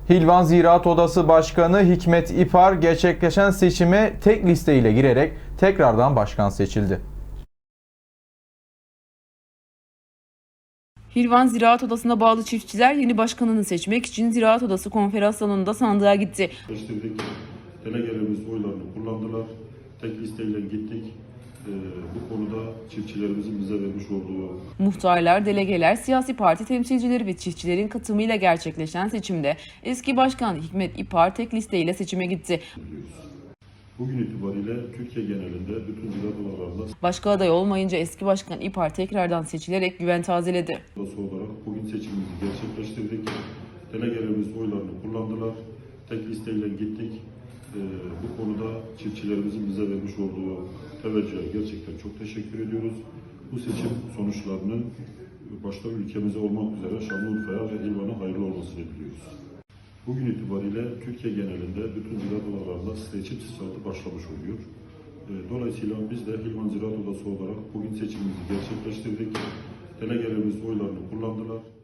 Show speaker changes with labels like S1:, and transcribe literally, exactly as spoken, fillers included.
S1: Hilvan Ziraat Odası Başkanı Hikmet İpar gerçekleşen seçime tek listeyle girerek tekrardan başkan seçildi.
S2: Hilvan Ziraat Odası'na bağlı çiftçiler yeni başkanını seçmek için Ziraat Odası konferans salonunda sandığa gitti.
S3: Seçtirdik. Delegelerimiz oylarını kullandılar. Tek listeyle gittik. Ee, bu konuda çiftçilerimizin bize vermiş olduğu...
S2: Muhtarlar, delegeler, siyasi parti temsilcileri ve çiftçilerin katılımıyla gerçekleşen seçimde eski başkan Hikmet İpar tek listeyle seçime gitti.
S3: Bugün itibariyle Türkiye genelinde bütün ziraat odalarında
S2: Başka aday olmayınca eski başkan İpar tekrardan seçilerek güven tazeledi.
S3: odası olarak bugün seçimimizi gerçekleştirdik. Delegelerimiz oylarını kullandılar. Tek listeyle gittik. Ee, bu konuda çiftçilerimizin bize vermiş olduğu teveccühe gerçekten çok teşekkür ediyoruz. Bu seçim sonuçlarının başta ülkemize olmak üzere Şanlıurfa'ya ve Hilvan'a hayırlı olmasını diliyoruz. Bugün itibariyle Türkiye genelinde bütün ziraat odalarında seçim sırası başlamış oluyor. Dolayısıyla biz de Hilvan Ziraat Odası olarak bugün seçimimizi gerçekleştirdik. Delegelerimiz oylarını kullandılar.